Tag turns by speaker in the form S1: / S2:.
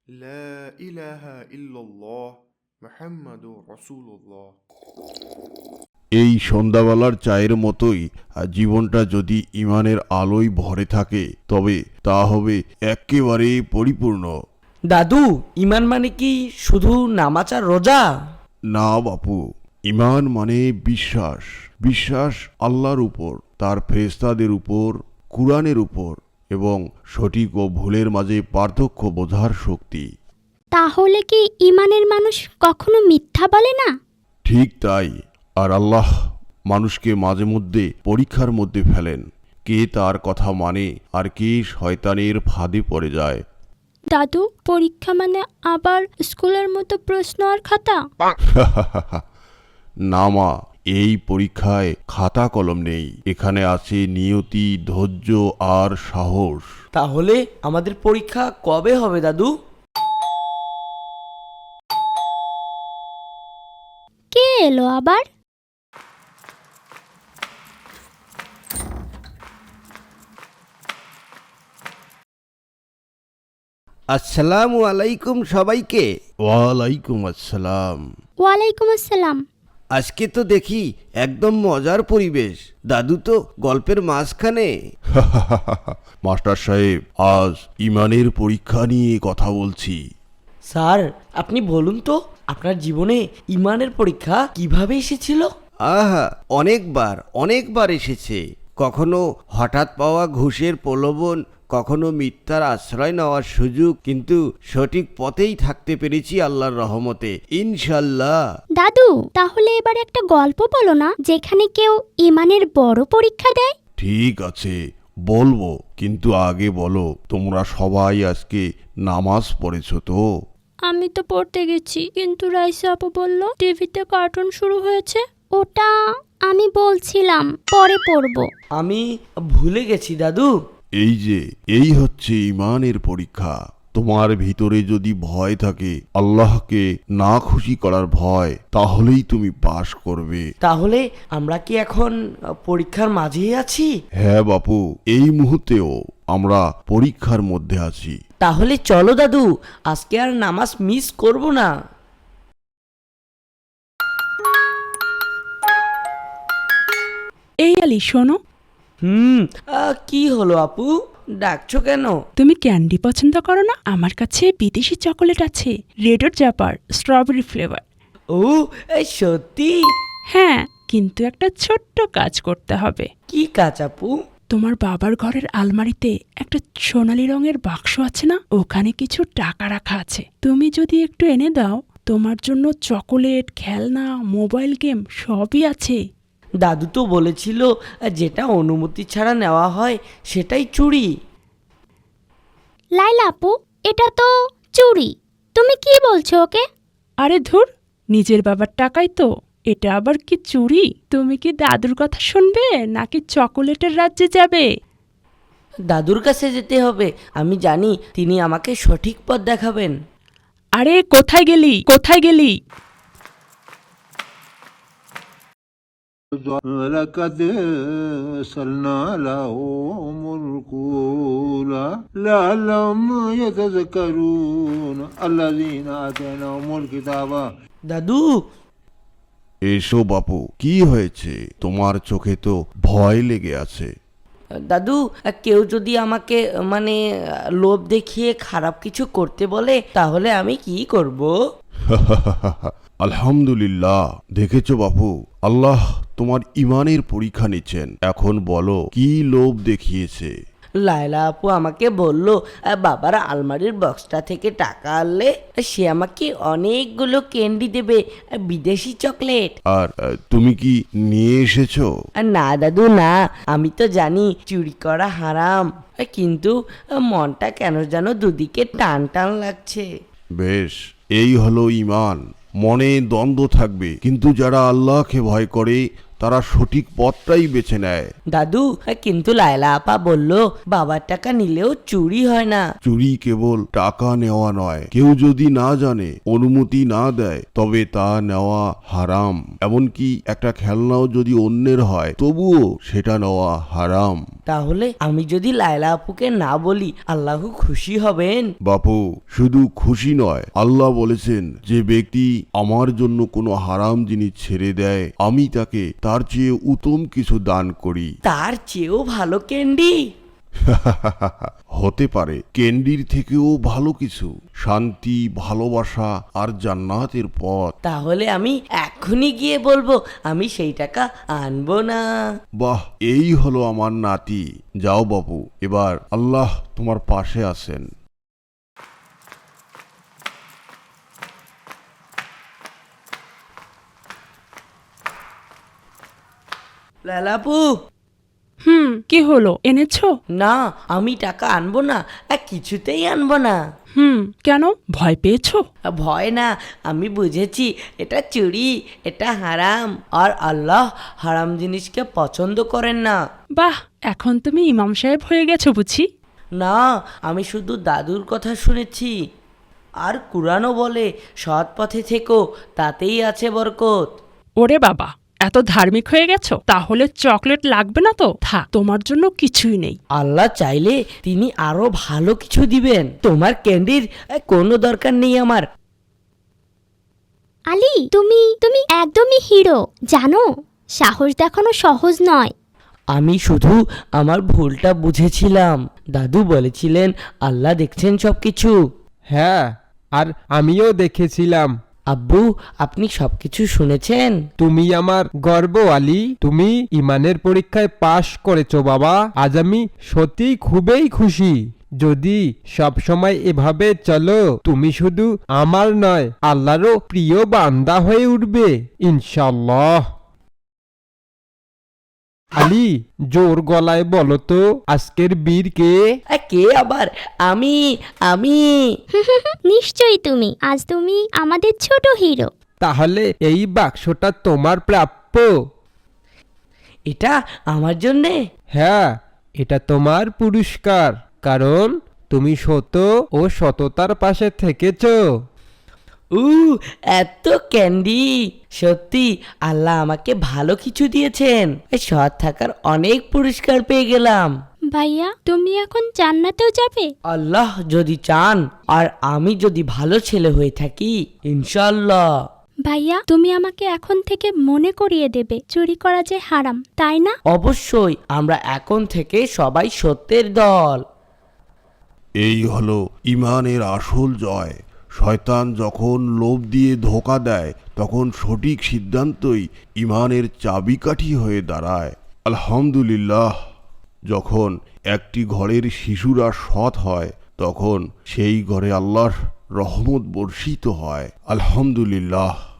S1: লা ইলাহা ইল্লাল্লাহ মুহাম্মাদুর রাসূলুল্লাহ।
S2: এই সন্ধ্যাবেলার চায়ের মতোই জীবনটা যদি ঈমানের আলোয় ভরে থাকে তবে তা হবে একেবারে পরিপূর্ণ।
S3: দাদু, ঈমান মানে কি শুধু নামাজ আর রোজা?
S2: না বাপু, ঈমান মানে বিশ্বাস। বিশ্বাস আল্লাহর উপর, তার ফেরেশতাদের উপর, কুরআনের উপর এবং সঠিক ও ভুলের মাঝে পার্থক্য বোঝার শক্তি।
S4: তাহলে কি ঈমানের মানুষ কখনো মিথ্যা বলে না?
S2: ঠিক তাই। আর আল্লাহ মানুষকে মাঝে মধ্যে পরীক্ষার মধ্যে ফেলেন, কে তার কথা মানে আর কে শয়তানের ফাঁদে পড়ে যায়।
S4: দাদু, পরীক্ষা মানে আবার স্কুলের মতো প্রশ্ন আর খাতা?
S2: না মা, এই পরীক্ষায় খাতা কলম নেই, এখানে আছে নিয়তি, ধৈর্য আর সাহস।
S3: তাহলে আমাদের পরীক্ষা কবে হবে দাদু?
S4: কে এলো আবার?
S5: আসসালামু আলাইকুম সবাইকে।
S2: ওয়ালাইকুম আসসালাম।
S4: ওয়ালাইকুম আসসালাম।
S5: আজকে তো দেখি একদম মজার পরিবেশ। দাদু তো গল্পের মাঝখানে।
S2: মাস্টার সাহেব, আজ ঈমানের পরীক্ষা নিয়ে কথা বলছি।
S3: স্যার, আপনি বলুন তো আপনার জীবনে ঈমানের পরীক্ষা কিভাবে এসেছিল?
S5: আহা, অনেকবার এসেছে। কখনো হঠাৎ পাওয়া ঘুষের প্রলোভন, কখনো মিথ্যার আশ্রয় নেওয়ার সুযোগ, কিন্তু সঠিক পথেই থাকতে পেরেছি আল্লাহর রহমতে, ইনশাল্লাহ।
S4: দাদু, তাহলে এবার একটা গল্প বলো না, যেখানে কেউ ঈমানের বড় পরীক্ষা দেয়।
S2: ঠিক আছে, বলবো, কিন্তু আগে বলো, তোমরা সবাই আজকে নামাজ পড়েছো তো?
S4: আমি তো পড়তে গেছি, কিন্তু রাইসা আপু বলল টিভিতে কার্টুন শুরু হয়েছে। ওটা আমি বলছিলাম পরে পড়বো।
S3: আমি ভুলে গেছি দাদু।
S2: এই হচ্ছে ঈমানের পরীক্ষা। তোমার ভিতরে যদি ভয় থাকে, আল্লাহকে না খুশি করার ভয়, তাহলেই তুমি পাশ করবে।
S3: তাহলে আমরা কি এখন পরীক্ষার মাঝেই আছি?
S2: হ্যাঁ বাপু, এই মুহূর্তেও আমরা পরীক্ষার মধ্যে আছি।
S3: তাহলে চলো দাদু, আজকে আর নামাজ মিস করব না।
S6: এই আলি, শোনো।
S3: কি হলো আপু, ডাকছো কেন?
S6: তুমি ক্যান্ডি পছন্দ করো না? আমার কাছে বিদেশি চকোলেট আছে, রেড জাপার, স্ট্রবেরি ফ্লেভার।
S3: ও, এই সত্যি?
S6: হ্যাঁ, কিন্তু একটা ছোট্ট কাজ করতে হবে।
S3: কি কাজ আপু?
S6: তোমার বাবার ঘরের আলমারিতে একটা সোনালী রঙের বাক্স আছে না, ওখানে কিছু টাকা রাখা আছে। তুমি যদি একটু এনে দাও, তোমার জন্য চকোলেট, খেলনা, মোবাইল গেম সবই আছে।
S3: দাদু তো বলেছিল যেটা অনুমতি ছাড়া নেওয়া হয় সেটাই চুরি।
S4: লাইলা আপু, এটা তো চুরি। তুমি কি বলছো ওকে?
S6: আরে ধুর, নিজের বাবার টাকাই তো, এটা আবার কি চুরি? তুমি কি দাদুর কথা শুনবে নাকি চকোলেটের রাজ্যে যাবে?
S3: দাদুর কাছে যেতে হবে, আমি জানি তিনি আমাকে সঠিক পথ দেখাবেন।
S6: আরে কোথায় গেলি, কোথায় গেলি?
S7: ولقد أرسلنا لهم الرسل لعلهم يتذكرون الذين آتيناهم الكتاب।
S3: দাদু,
S2: এসো বাপু, কি হয়েছে? তোমার চোখে তো ভয় লেগে আছে।
S3: দাদু, কেউ যদি আমাকে লোভ দেখিয়ে খারাপ কিছু করতে বলে তাহলে আমি কি করব?
S2: আলহামদুলিল্লাহ, দেখেছো বাপু, আল্লাহ তোমার ঈমানের পরীক্ষা নিচ্ছেন। এখন বলো, কি লোভ দেখিয়েছে?
S3: লায়লা আপু আমাকে বলল বাবার আলমারির বক্সটা থেকে টাকা আনলে সে আমাকে অনেকগুলো ক্যান্ডি দেবে, বিদেশি চকলেট।
S2: আর তুমি কি নিয়ে এসেছো?
S3: না দাদু না, আমি তো জানি চুরি করা হারাম, কিন্তু মনটা কেন যেন দুদিকে টান টান লাগছে।
S2: বেশ, এই হলো ঈমান। মনে দ্বন্দ্ব থাকবে, কিন্তু যারা আল্লাহকে ভয় করে তারা সঠিক পথটাই বেছে নেয়।
S3: দাদু, কিন্তু লায়লা আপা বলল বাবার টাকা নিলেও চুরি হয় না।
S2: চুরি কেবল টাকা নেওয়া নয়, কেউ যদি না জানে, অনুমতি না দেয়, তবে তা নেওয়া হারাম। এমনকি একটা খেলনাও যদি অন্যের হয় তবুও সেটা নেওয়া হারাম।
S3: তাহলে আমি যদি লায়লা আপুকে না বলি আল্লাহ খুশি হবেন?
S2: বাপু, শুধু খুশি নয়, আল্লাহ বলেছেন যে ব্যক্তি আমার জন্য কোনো হারাম জিনিস ছেড়ে দেয় আমি তাকে তার চেয়ে উত্তম কিছু দান করি।
S3: তার চেয়েও ভালো ক্যান্ডি?
S2: হতে পারে ক্যান্ডির থেকেও ভালো কিছু, শান্তি, ভালোবাসা আর জান্নাতের পথ।
S3: তাহলে আমি এখনই গিয়ে বলবো আমি সেই টাকা আনবো না।
S2: বাহ, এই হলো আমার নাতি। যাও বাপু, এবার আল্লাহ তোমার পাশে আছেন।
S3: লায়লা আপু,
S6: কি হলো, এনেছো?
S3: না আমি টাকা আনবো না, কিছুতেই আনবো না।
S6: কেন, ভয় পেয়েছো?
S3: ভয় না, আমি বুঝেছি এটা চুরি, এটা হারাম, আর আল্লাহ হারাম জিনিসকে পছন্দ করেন না।
S6: বাহ, এখন তুমি ইমাম সাহেব হয়ে গেছো বুঝি?
S3: না, আমি শুধু দাদুর কথা শুনেছি। আর কুরআনও বলে সৎ পথে থেকো, তাতেই আছে বরকত।
S6: ওরে বাবা, এত ধার্মিক হয়ে গেছো? তাহলে চকলেট লাগবে না তো? থাক, তোমার জন্য কিছুই নেই।
S3: আল্লাহ চাইলে তিনি আরো ভালো কিছু দিবেন। তোমার ক্যান্ডির কোনো দরকার নেই আমার।
S4: আলী, তুমি একদমই হিরো। জানো, সাহস দেখানো সহজ নয়।
S3: আমি শুধু আমার ভুলটা বুঝেছিলাম। দাদু বলেছিলেন আল্লাহ দেখছেন সবকিছু।
S8: হ্যাঁ, আর আমিও দেখেছিলাম।
S3: আব্বু, আপনি সবকিছু শুনেছেন?
S8: তুমি আমার গর্ব আলী। তুমি ইমানের পরীক্ষায় পাশ করেছো বাবা। আজ আমি সত্যিই খুবই খুশি। যদি সব সময় এভাবে চলো, তুমি শুধু আমার নয় আল্লাহরও প্রিয় বান্দা হয়ে উঠবে ইনশাআল্লাহ। আলী, জোর গলায় বলো তো আজকের বীর কে?
S3: কে আবার? আমি আমি
S4: নিশ্চয়ই তুমি। আজ তুমি আমাদের ছোট হিরো।
S8: তাহলে এই বাক্সটা তোমার প্রাপ্য।
S3: এটা আমার জন্যে?
S8: হ্যাঁ, এটা তোমার পুরস্কার, কারণ তুমি সত ও সততার পাশে থেকেছো।
S3: এত ক্যান্ডি! সত্যি আল্লাহ আমাকে ভালো কিছু দিয়েছেন। সৎ থাকার অনেক পুরস্কার পেয়ে গেলাম।
S4: ভাইয়া, তুমি এখন জান্নাতেও যাবে?
S3: আল্লাহ যদি চান, আর আমি যদি ভালো ছেলে হয়ে থাকি, ইনশাআল্লাহ।
S4: ভাইয়া, তুমি আমাকে এখন থেকে মনে করিয়ে দেবে চুরি করা যে হারাম, তাই না?
S3: অবশ্যই, আমরা এখন থেকে সবাই সত্যের দল।
S2: এই হলো ইমানের আসল জয়। শয়তান যখন লোভ দিয়ে ধোঁকা দেয়, তখন সঠিক সিদ্ধান্তই ইমানের চাবিকাঠি হয়ে দাঁড়ায়। আলহামদুলিল্লাহ, যখন একটি ঘরের শিশুরা সৎ হয়, তখন সেই ঘরে আল্লাহর রহমত বর্ষিত হয়। আলহামদুলিল্লাহ।